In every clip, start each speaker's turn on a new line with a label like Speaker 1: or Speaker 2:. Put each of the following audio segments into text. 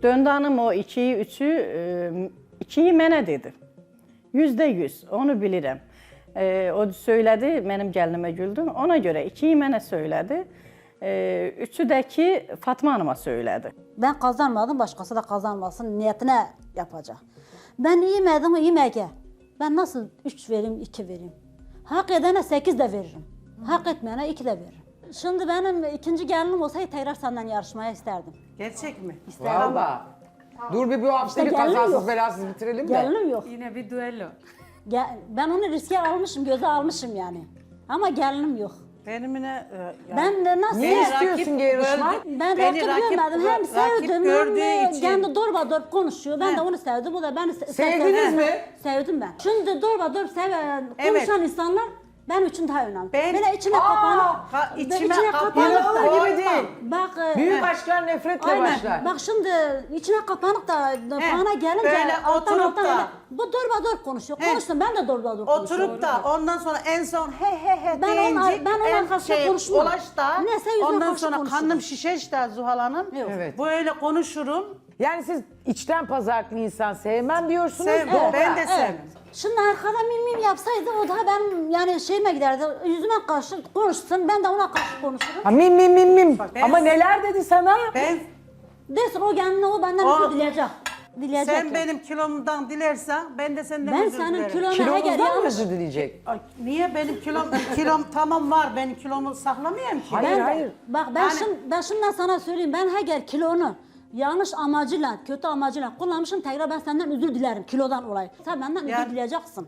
Speaker 1: Döndü hanım o 2'yi, 3'ü, 2'yi mənə dedi. %100, onu bilirəm. O söylədi, mənim gəlinimə güldüm. Ona görə 2'yi mənə söylədi. 3'ü də ki Fatma Hanım'a söyledi.
Speaker 2: Ben kazanmadım, başkası da kazanmasın niyetine yapacak. Ben yemedim, yemeğe. Ben nasıl 3 vereyim, 2 vereyim? Hak edene 8 de veririm. Hak etmeyene 2 de veririm. Şimdi benim ikinci gelinim olsaydı tekrar senden yarışmaya isterdim.
Speaker 3: Gerçek mi?
Speaker 4: Valla. Dur bir bu hafta bir
Speaker 2: İşte gelinim
Speaker 4: kazasız
Speaker 2: yok.
Speaker 4: belasız bitirelim de.
Speaker 2: Gelinim yok.
Speaker 5: Yine bir düello.
Speaker 2: Ben onu riske almışım, göze almışım yani. Ama gelinim yok.
Speaker 3: Benimine
Speaker 2: Ben de nasıl...
Speaker 4: Ne istiyorsun ki yarışma?
Speaker 2: Ben
Speaker 3: Beni
Speaker 2: rakip görmedim. Hem sevdim
Speaker 3: gördüğü
Speaker 2: hem
Speaker 3: için.
Speaker 2: kendi dorba dorp konuşuyor. Ben de onu sevdim, o da beni
Speaker 4: Sevdiniz mi?
Speaker 2: Sevdim ben. Şimdi dorba dorp seven,
Speaker 3: Evet.
Speaker 2: konuşan insanlar benim için daha önemli.
Speaker 3: Ben-
Speaker 2: Böyle içine kapanıp...
Speaker 3: içime kapanıp
Speaker 4: İnanılır
Speaker 3: da
Speaker 4: gibi değil.
Speaker 2: Bak,
Speaker 4: Büyük aşklar nefretle
Speaker 2: aynen.
Speaker 4: başlar.
Speaker 2: Bak şimdi içine kapanıp da bana gelince
Speaker 3: böyle
Speaker 2: alttan
Speaker 3: oturup
Speaker 2: alttan
Speaker 3: da-
Speaker 2: öyle, bu dorba dorp konuşuyor.
Speaker 3: He.
Speaker 2: Konuştum, ben de dorba dorp konuşuyorum.
Speaker 3: oturup da ondan sonra en son he
Speaker 2: Ben onun-
Speaker 3: deyince
Speaker 2: ben onun
Speaker 3: en
Speaker 2: arkasında konuşmam.
Speaker 3: ulaş da
Speaker 2: Neyse yüzüne
Speaker 3: ondan
Speaker 2: karşı
Speaker 3: sonra
Speaker 2: konuşurum.
Speaker 3: kanım şişeş de Zuhal Hanım.
Speaker 2: Yok.
Speaker 4: Evet.
Speaker 3: Böyle konuşurum.
Speaker 4: Yani siz içten pazarlıklı insan sevmem diyorsunuz.
Speaker 3: Sevmem.
Speaker 4: Doğru.
Speaker 3: Ben de
Speaker 2: Evet.
Speaker 3: sevmem.
Speaker 2: Şimdi arkada mim yapsaydı o da ben yani şeyime giderdi, yüzüme karşı konuşsun, ben de ona karşı konuşurum.
Speaker 4: Ha, mim.
Speaker 3: ben-
Speaker 4: Ama neler dedi sana?
Speaker 3: Ben
Speaker 2: Desin o kendine o benden
Speaker 3: O-
Speaker 2: özür dileyecek. Dileyecek.
Speaker 3: sen
Speaker 2: yani.
Speaker 3: benim kilomdan dilersen ben de senden
Speaker 2: Ben
Speaker 3: özür
Speaker 2: senin
Speaker 3: dilerim.
Speaker 2: kilona eğer
Speaker 4: Kilomuzdan mı
Speaker 2: yanlış...
Speaker 4: özür dileyecek?
Speaker 3: Ay, niye benim kilom tamam var, benim kilomu saklamayayım ki.
Speaker 4: Hayır,
Speaker 2: Ben,
Speaker 4: hayır.
Speaker 2: Bak ben şimdiden sana söyleyeyim, ben eğer kilonu yanlış amacıyla, kötü amacıyla kullanmışım, tekrar ben senden özür dilerim kilodan olayı. Sen benden
Speaker 3: Yani-
Speaker 2: özür dileyeceksin.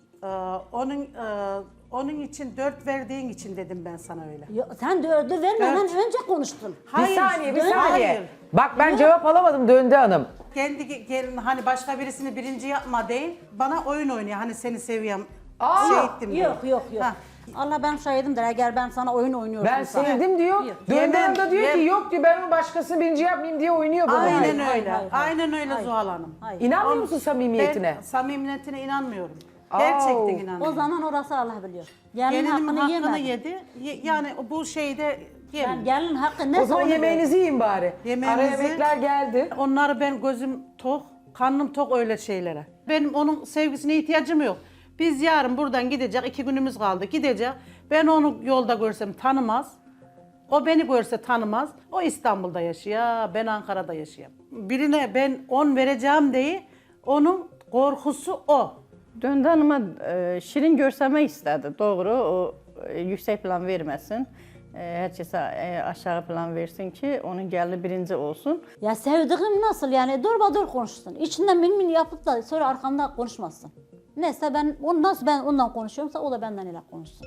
Speaker 3: Onun için 4 verdiğin için dedim ben sana öyle.
Speaker 2: Sen dördü vermeden önce konuştun.
Speaker 4: Bir saniye.
Speaker 3: hayır.
Speaker 4: Bak ben cevap alamadım Döndü Hanım.
Speaker 3: Kendi gelin hani başka birisini birinci yapma değil, bana oyun oynuyor hani seni seviyorum.
Speaker 4: Aa,
Speaker 3: şey ettim diye.
Speaker 2: Yok.
Speaker 3: Ha.
Speaker 2: Allah ben şahidimdir eğer ben sana oyun oynuyorum.
Speaker 4: Ben sevdim diyor. Döndü Hanım da diyor ki yok diyor ben onu başkasını birinci yapmayayım diye oynuyor bana.
Speaker 3: Aynen
Speaker 4: diyor.
Speaker 3: öyle.
Speaker 2: hayır.
Speaker 3: Aynen öyle
Speaker 2: Hayır.
Speaker 3: Zuhal Hanım.
Speaker 2: Hayır.
Speaker 4: İnanmıyor musun samimiyetine?
Speaker 3: Ben samimiyetine inanmıyorum. Gerçekten
Speaker 2: O
Speaker 3: inanmıyorum.
Speaker 2: zaman orası Allah biliyor. Gelin
Speaker 3: Gelinimin
Speaker 2: hakkını
Speaker 3: hakkını
Speaker 2: yemedi.
Speaker 3: yedi. Yani bu şeyde
Speaker 2: Ben
Speaker 3: yemin.
Speaker 2: gelin hakkı ne
Speaker 4: O zaman yemeğinizi yiyin bari.
Speaker 3: Yemeğimizi-
Speaker 4: Ara yemekler geldi.
Speaker 3: Onları ben gözüm tok, karnım tok öyle şeylere. Benim onun sevgisine ihtiyacım yok. Biz yarın buradan gidecek, 2 günümüz kaldı gidecek. Ben onu yolda görsem tanımaz. O beni görse tanımaz. O İstanbul'da yaşıyor, ben Ankara'da yaşıyorum. Birine ben 10 vereceğim diye onun korkusu o.
Speaker 1: Döndü hanıma şirin görsəmək istədi. Doğru, o yüksək plan verməsin. Hər kəsə aşağı plan versin ki, onun gəlini birinci olsun.
Speaker 2: Ya sevdiğim nasıl yani dur konuşsun. İçinden min yapıp da sonra arkamda konuşmasın. Neyse ben nasıl ben ondan konuşuyorumsa o da benden öyle konuşsun.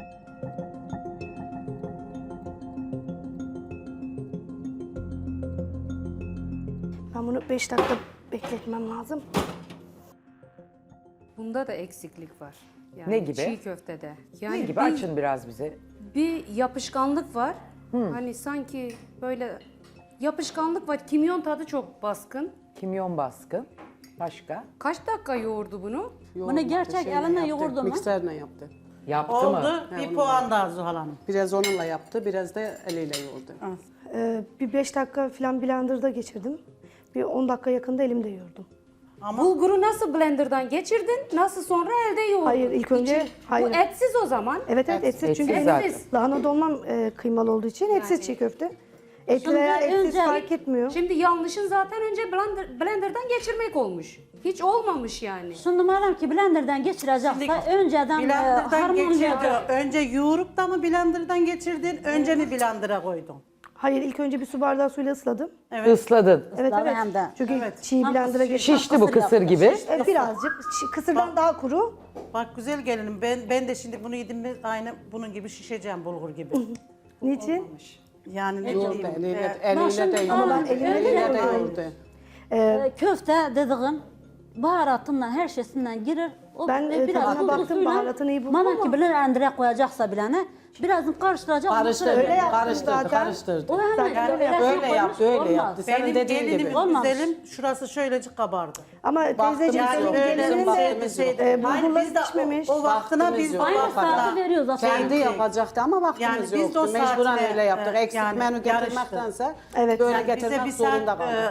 Speaker 6: Ben bunu 5 dakika bekletmem lazım.
Speaker 5: Bunda da eksiklik var. Yani
Speaker 4: Ne gibi?
Speaker 5: Çiğ köftede. Yani
Speaker 4: Ne gibi açın biraz bize.
Speaker 5: bir yapışkanlık var. Hani sanki böyle yapışkanlık var. Kimyon tadı çok baskın.
Speaker 4: Kimyon baskın. Başka?
Speaker 5: Kaç dakika yoğurdu bunu?
Speaker 2: Bunu gerçek eline yoğurdu mu?
Speaker 7: Mikserle yaptı.
Speaker 4: Yaptı mı?
Speaker 3: Oldu, bir puan daha Zuhal Hanım.
Speaker 7: Biraz onunla yaptı, biraz da eliyle yoğurdu.
Speaker 6: Bir 5 dakika falan blenderda geçirdim. Bir 10 dakika yakında elimde yoğurdum.
Speaker 5: Bulguru nasıl blenderdan geçirdin? Nasıl sonra elde yoğurdun?
Speaker 6: Hayır, ilk önce-
Speaker 5: İçi-
Speaker 6: hayır.
Speaker 5: Bu etsiz o zaman.
Speaker 6: Evet etsiz çünkü
Speaker 4: Etsiz
Speaker 6: benim
Speaker 4: zaten.
Speaker 6: lahana dolmam kıymalı olduğu için etsiz çiğ köfte. Etli veya
Speaker 2: Şimdi
Speaker 6: etsiz
Speaker 2: önce-
Speaker 6: fark etmiyor.
Speaker 5: Şimdi yanlışın zaten önce blenderdan geçirmek olmuş. Hiç olmamış yani.
Speaker 2: Şimdi madem ki blenderdan geçirecekse önceden
Speaker 3: Blender'dan
Speaker 2: harmanlayacak.
Speaker 3: geçirdi. Önce yoğurup da mı blenderdan geçirdin, önce mi blender'a koydun?
Speaker 6: Hayır ilk önce bir su bardağı suyla ısladım.
Speaker 4: Isladın.
Speaker 6: Evet
Speaker 2: Isladı
Speaker 6: evet.
Speaker 2: hem de.
Speaker 6: Çünkü çiğ blender'a geçti.
Speaker 4: Şişti bu kısır gibi.
Speaker 6: Birazcık kısırdan daha kuru.
Speaker 3: Bak güzel gelinim, ben de şimdi bunu yedim mi aynı bunun gibi şişeceğim bulgur gibi.
Speaker 6: Niçin?
Speaker 3: Yani ne
Speaker 7: Yoğurdu,
Speaker 3: diyeyim,
Speaker 7: eliyle
Speaker 2: şimdi-
Speaker 7: de yoğurdu.
Speaker 2: Ama ben
Speaker 6: elimle
Speaker 7: de
Speaker 6: yoğurdum.
Speaker 7: yoğurdu.
Speaker 2: Köfte dediğin baharatından her şeysinden girer. O
Speaker 6: Ben, tadına
Speaker 2: tuzlu
Speaker 6: baktım,
Speaker 2: suyla,
Speaker 6: baharatını iyi buldum
Speaker 2: madem ki
Speaker 6: ama-
Speaker 2: blendere koyacaksa bilene birazını karıştıracak.
Speaker 7: Karıştırdı,
Speaker 6: Öyle yaptım
Speaker 7: karıştırdı,
Speaker 6: zaten.
Speaker 7: karıştırdı.
Speaker 2: O hemen
Speaker 6: Zaten
Speaker 2: öyle
Speaker 7: öyle yaptı, öyle
Speaker 2: olmaz.
Speaker 7: yaptı. Senin
Speaker 3: benim
Speaker 7: dediğin gibi.
Speaker 3: gelinimin
Speaker 2: Olmamış.
Speaker 3: güzelim şurası şöylecik kabardı.
Speaker 6: Ama teyzeciğim
Speaker 3: Yani
Speaker 6: senin
Speaker 3: öyle
Speaker 6: gelinin de
Speaker 7: vaktimiz yok.
Speaker 6: bulgurlar
Speaker 3: biz de
Speaker 6: pişmemiş.
Speaker 3: o vaktına biz de o
Speaker 2: Aynı
Speaker 3: vaktına.
Speaker 2: saati veriyor zaten.
Speaker 7: Kendi yapacaktı ama
Speaker 3: Yani
Speaker 7: vaktimiz
Speaker 3: biz de o
Speaker 7: yoktu. Mecburen
Speaker 3: saatine,
Speaker 7: öyle yaptık. Eksik
Speaker 3: yani
Speaker 7: menü
Speaker 3: yarıştı.
Speaker 7: getirmektense
Speaker 6: Evet.
Speaker 7: böyle
Speaker 3: Yani bize
Speaker 7: getirmek
Speaker 3: bir saat
Speaker 7: zorunda kaldık.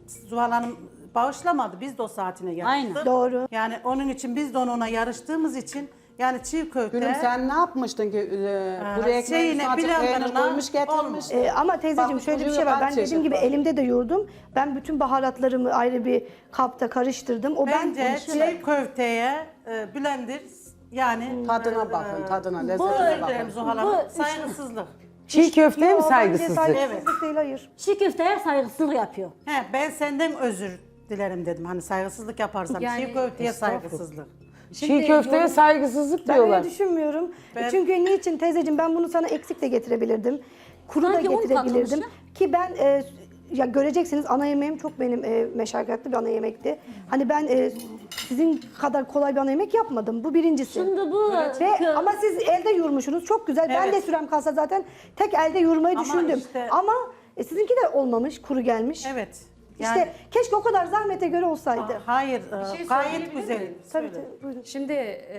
Speaker 3: Zuhal Hanım bağışlamadı. Biz de o saatine yarıştık.
Speaker 2: Aynen.
Speaker 6: Doğru.
Speaker 3: Yani onun için biz de onunla yarıştığımız için yani çiğ köfte...
Speaker 7: Gülüm sen ne yapmıştın ki? Buraya
Speaker 3: şeyine,
Speaker 7: ekmeğini azıcık peynir
Speaker 3: blenderına
Speaker 7: koymuş getirmiş.
Speaker 3: olmuş.
Speaker 6: Ama teyzeciğim
Speaker 7: Bak,
Speaker 6: şöyle bir
Speaker 7: kuruyor,
Speaker 6: şey var.
Speaker 7: kaç
Speaker 6: Ben dediğim
Speaker 7: çeşit
Speaker 6: gibi
Speaker 7: var.
Speaker 6: elimde de yoğurdum. Ben bütün baharatlarımı ayrı bir kapta karıştırdım. O
Speaker 3: Bence çiğ köfteye blender yani...
Speaker 7: Tadına bakın, tadına,
Speaker 3: Bu
Speaker 7: lezzetine bakın.
Speaker 3: Zuhal Hanım saygısızlık.
Speaker 4: Çiğ köfteye mi
Speaker 6: Bence
Speaker 4: saygısızlık?
Speaker 6: saygısızlık değil, hayır.
Speaker 2: Çiğ köfteye saygısızlık yapıyor.
Speaker 3: He, ben senden özür dilerim dedim. Hani saygısızlık yaparsam
Speaker 5: Yani-
Speaker 3: çiğ köfteye saygısızlık.
Speaker 4: Çiğ köfteye saygısızlık
Speaker 6: Ben
Speaker 4: diyorlar.
Speaker 6: öyle düşünmüyorum. Çünkü niçin teyzeciğim, ben bunu sana eksik de getirebilirdim. Kuru da
Speaker 2: Sanki un
Speaker 6: getirebilirdim.
Speaker 2: katılmış
Speaker 6: Ki ben ya göreceksiniz, ana yemeğim çok benim meşakkatli bir ana yemekti. Hani ben sizin kadar kolay bir ana yemek yapmadım. Bu birincisi.
Speaker 2: Şimdi bu
Speaker 6: Ama siz elde yoğurmuşsunuz. Çok güzel. Ben de sürem kalsa zaten tek elde yoğurmayı
Speaker 3: Ama
Speaker 6: düşündüm.
Speaker 3: işte-
Speaker 6: Ama sizinki de olmamış, kuru gelmiş.
Speaker 3: Evet.
Speaker 6: İşte keşke o kadar zahmete göre olsaydı.
Speaker 3: Hayır,
Speaker 5: şey
Speaker 3: gayet
Speaker 5: söyleyebilir
Speaker 3: güzel.
Speaker 5: miyim?
Speaker 6: Tabii tabii, buyurun.
Speaker 5: Şimdi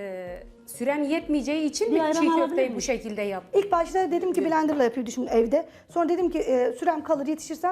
Speaker 5: sürem yetmeyeceği için
Speaker 2: Bir
Speaker 5: mi
Speaker 2: ayran
Speaker 5: çiğ
Speaker 2: alabilir
Speaker 5: köfteyi
Speaker 2: miyim?
Speaker 5: bu şekilde yaptın?
Speaker 6: İlk başta dedim ki blenderla yapayım düşündüm evde. Sonra dedim ki sürem kalır, yetişirsem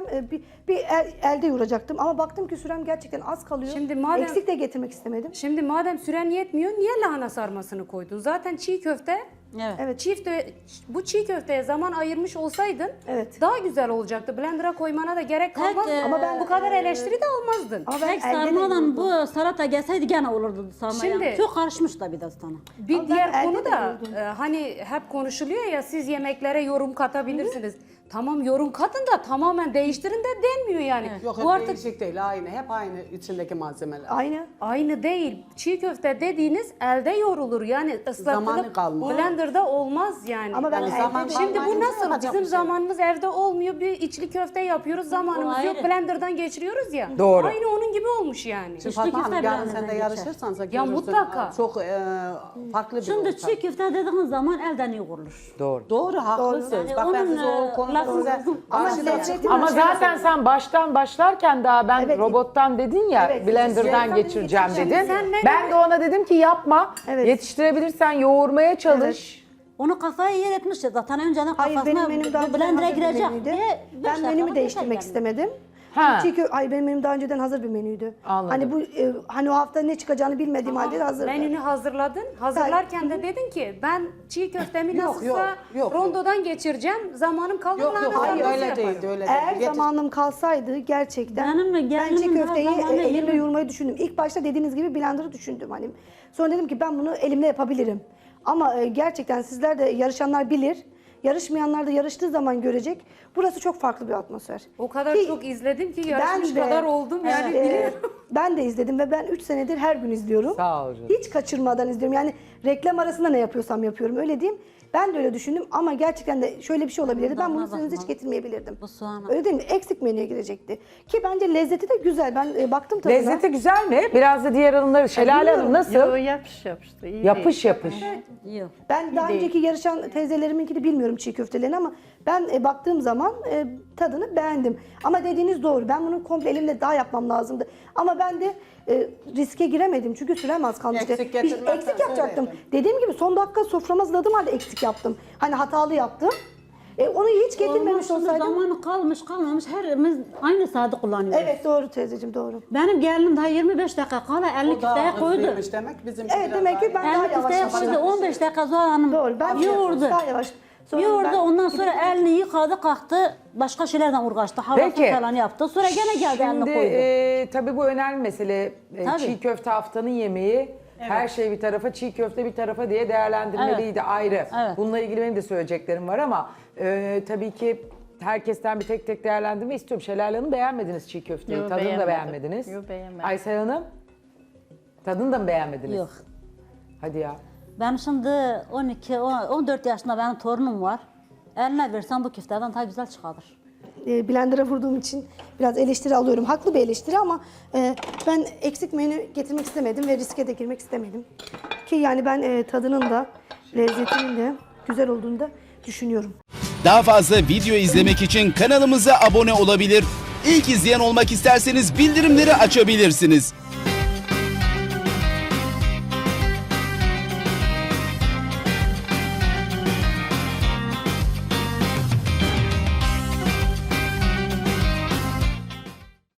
Speaker 6: elde yoğuracaktım. Ama baktım ki sürem gerçekten az kalıyor.
Speaker 5: Şimdi madem-
Speaker 6: Eksik de getirmek istemedim.
Speaker 5: Şimdi madem süren yetmiyor niye lahana sarmasını koydun? Zaten çiğ köfte
Speaker 2: evet.
Speaker 5: bu çiğ köfteye zaman ayırmış olsaydın
Speaker 6: Evet.
Speaker 5: daha güzel olacaktı. Blender'a koymana da gerek kalmaz.
Speaker 2: Ama
Speaker 6: ben-
Speaker 5: bu kadar eleştiri de almazdın.
Speaker 6: Ama ben
Speaker 2: Tek
Speaker 6: elde de
Speaker 2: sarmadan
Speaker 6: yoğurdum.
Speaker 2: bu salata gelseydi gene olurdu sarmaya.
Speaker 5: Şimdi-
Speaker 2: Çok karışmış da bir de sana.
Speaker 5: Bir
Speaker 6: Ama ben
Speaker 5: diğer
Speaker 6: elde
Speaker 5: konu
Speaker 6: de
Speaker 5: da
Speaker 6: yoğurdum.
Speaker 5: hani hep konuşuluyor ya siz yemeklere yorum katabilirsiniz. Tamam yorum katın da tamamen değiştirin de denmiyor yani.
Speaker 7: Yok,
Speaker 5: Bu
Speaker 7: hep
Speaker 5: artık
Speaker 7: değişik değil, aynı. Hep aynı içindeki malzemeler.
Speaker 6: Aynı.
Speaker 5: aynı değil. Çiğ köfte dediğiniz elde yoğrulur. Yani
Speaker 7: Zamanı
Speaker 5: ıslatılıp
Speaker 7: kalmaz.
Speaker 5: blenderda olmaz yani.
Speaker 6: Ama ben
Speaker 7: Yani
Speaker 6: elde
Speaker 7: zaman
Speaker 6: de-
Speaker 5: Şimdi bu
Speaker 7: kalmayınca
Speaker 5: nasıl?
Speaker 7: yapacak
Speaker 5: Bizim
Speaker 7: bir şey yok.
Speaker 5: zamanımız evde olmuyor. Bir içli köfte yapıyoruz. Zamanımız
Speaker 2: O
Speaker 5: yok.
Speaker 2: ayrı.
Speaker 5: Blenderdan geçiriyoruz ya.
Speaker 4: Doğru.
Speaker 5: Aynı onun gibi olmuş yani.
Speaker 7: Şimdi
Speaker 2: İçli
Speaker 7: Fatma
Speaker 2: köfte
Speaker 7: Hanım, yarın
Speaker 2: blenderdan
Speaker 7: sen de
Speaker 2: geçer.
Speaker 7: yarışırsan
Speaker 5: Ya
Speaker 7: görürsün,
Speaker 5: mutlaka.
Speaker 7: Çok farklı bir
Speaker 2: Şimdi
Speaker 7: ortam.
Speaker 2: çiğ köfte dediğin zaman elden yoğurulur.
Speaker 4: Doğru.
Speaker 7: Doğru, haklısınız.
Speaker 2: Yani
Speaker 7: Bak ben
Speaker 2: onun,
Speaker 7: size o konuda
Speaker 2: lafını-
Speaker 7: size
Speaker 6: Ama
Speaker 7: karşı
Speaker 6: lezzeti-
Speaker 4: Ama zaten sen başlarken daha ben
Speaker 6: Evet.
Speaker 4: robottan dedin ya,
Speaker 6: Evet,
Speaker 4: blenderdan
Speaker 6: evet.
Speaker 4: geçireceğim dedin.
Speaker 5: Sen ne
Speaker 4: Ben de ona dedim ki yapma.
Speaker 6: Evet.
Speaker 4: Yetiştirebilirsen yoğurmaya çalış.
Speaker 2: Onu kafaya yer etmiş ya zaten önceden
Speaker 6: Hayır,
Speaker 2: kafasına
Speaker 6: benim menüm daha önceden
Speaker 2: blender'a
Speaker 6: hazır bir
Speaker 2: girecek
Speaker 6: menüydü.
Speaker 2: diye beş
Speaker 6: Ben
Speaker 2: dakikada
Speaker 6: menümü
Speaker 2: geçer
Speaker 6: değiştirmek
Speaker 2: yani.
Speaker 6: istemedim.
Speaker 4: Ha.
Speaker 6: Hayır, benim menüm daha önceden hazır bir menüydü.
Speaker 4: Anladım.
Speaker 6: Hani bu hani o hafta ne çıkacağını bilmediğim halde de hazırdı.
Speaker 5: Menünü hazırladın. Hazırlarken de dedin ki ben çiğ köftemi
Speaker 7: Yok,
Speaker 5: nasılsa
Speaker 7: yok.
Speaker 5: rondodan geçireceğim. Zamanım kalır.
Speaker 7: Yok yok,
Speaker 5: lahana
Speaker 7: hayır,
Speaker 5: sarması
Speaker 7: öyle
Speaker 5: yaparım.
Speaker 7: değildi, öyle
Speaker 6: Eğer
Speaker 7: değildi.
Speaker 6: zamanım kalsaydı gerçekten
Speaker 2: Benim mi?
Speaker 6: ben çiğ
Speaker 2: Gelinimin her
Speaker 6: köfteyi
Speaker 2: zamanı
Speaker 6: elimle
Speaker 2: yerim.
Speaker 6: yoğurmayı düşündüm. İlk başta dediğiniz gibi blender'ı düşündüm hani. Sonra dedim ki ben bunu elimle yapabilirim. Ama gerçekten sizler de yarışanlar bilir. Yarışmayanlar da yarıştığı zaman görecek. Burası çok farklı bir atmosfer.
Speaker 5: O kadar
Speaker 6: Ki
Speaker 5: çok izledim ki
Speaker 6: ben
Speaker 5: yarışmış
Speaker 6: de-
Speaker 5: kadar oldum yani
Speaker 6: e,
Speaker 5: biliyorum.
Speaker 6: Ben de izledim ve ben 3 senedir her gün izliyorum.
Speaker 4: Sağ ol canım.
Speaker 6: Hiç kaçırmadan izliyorum. Yani reklam arasında ne yapıyorsam yapıyorum, öyle diyeyim. Ben de öyle düşündüm ama gerçekten de şöyle bir şey olabilirdi. Ben bunu
Speaker 2: Tadına
Speaker 6: sizin hiç
Speaker 2: bakmalı.
Speaker 6: getirmeyebilirdim.
Speaker 2: Bu soğanı.
Speaker 6: Öyle değil mi? Eksik menüye girecekti. Ki bence lezzeti de güzel. Ben baktım tadına.
Speaker 4: Lezzeti güzel mi? Biraz da diğer hanımları. Şelale Hanım nasıl?
Speaker 1: Yo, yapış yapıştı. iyi
Speaker 4: Yapış
Speaker 1: değil.
Speaker 4: yapış.
Speaker 2: Yok.
Speaker 6: Ben daha önceki yarışan teyzeleriminki de bilmiyorum çiğ köftelerini ama ben baktığım zaman tadını beğendim. Ama dediğiniz doğru. Ben bunu komple elimle daha yapmam lazımdı. Ama ben de riske giremedim çünkü sürem az kalmıştı.
Speaker 7: Eksik getirmezsen
Speaker 6: Eksik yapacaktım.
Speaker 7: söyledim.
Speaker 6: Dediğim gibi son dakika soframı hazırladığım halde eksik yaptım. Hani hatalı yaptım. Onu hiç getirmemiş
Speaker 2: Olmuş, şimdi
Speaker 6: olsaydım.
Speaker 2: zamanı kalmamış herimiz aynı saati kullanıyoruz.
Speaker 6: Evet doğru teyzeciğim, doğru.
Speaker 2: Benim gelinim daha 25 dakika kala 50
Speaker 7: O daha
Speaker 2: köfteye koydu.
Speaker 7: hızlıymış demek. Bizim
Speaker 6: Evet demek ki ben daha
Speaker 2: 50
Speaker 6: yavaş
Speaker 2: köfteye
Speaker 6: yaptım.
Speaker 2: koydu 15 dakika Zuhal Hanım
Speaker 6: Doğru, ben
Speaker 2: yoğurdu.
Speaker 6: daha yavaş. Sonra
Speaker 2: Yoğurdu
Speaker 6: ben-
Speaker 2: ondan sonra elini yıkadı kalktı başka şeylerden uğraştı. Havası
Speaker 4: Peki.
Speaker 2: falan yaptı. Sonra gene geldi elini
Speaker 4: Şimdi
Speaker 2: koydu.
Speaker 4: tabii bu önemli mesele.
Speaker 2: Tabii.
Speaker 4: Çiğ köfte haftanın yemeği. Her şey bir tarafa, çiğ köfte bir tarafa diye değerlendirmeliydi ayrı.
Speaker 2: Evet.
Speaker 4: Bununla ilgili benim de söyleyeceklerim var ama tabii ki herkesten bir tek tek değerlendirme istiyorum. Şelale Hanım beğenmediniz çiğ köfteyi.
Speaker 1: Yo,
Speaker 4: Tadını da
Speaker 1: beğenmedim.
Speaker 4: beğenmediniz.
Speaker 1: Yo, beğenmedim.
Speaker 4: Aysel Hanım, tadını da mı beğenmediniz?
Speaker 2: Yok.
Speaker 4: Hadi ya.
Speaker 2: Ben şimdi 14 yaşında benim torunum var. Eline versem bu köfteden daha güzel çıkarır.
Speaker 6: Blender'a vurduğum için biraz eleştiri alıyorum. Haklı bir eleştiri ama ben eksik menü getirmek istemedim ve riske de girmek istemedim. Ki yani ben tadının da lezzetinin de güzel olduğunu da düşünüyorum.
Speaker 8: Daha fazla video izlemek için kanalımıza abone olabilir. İlk izleyen olmak isterseniz bildirimleri açabilirsiniz.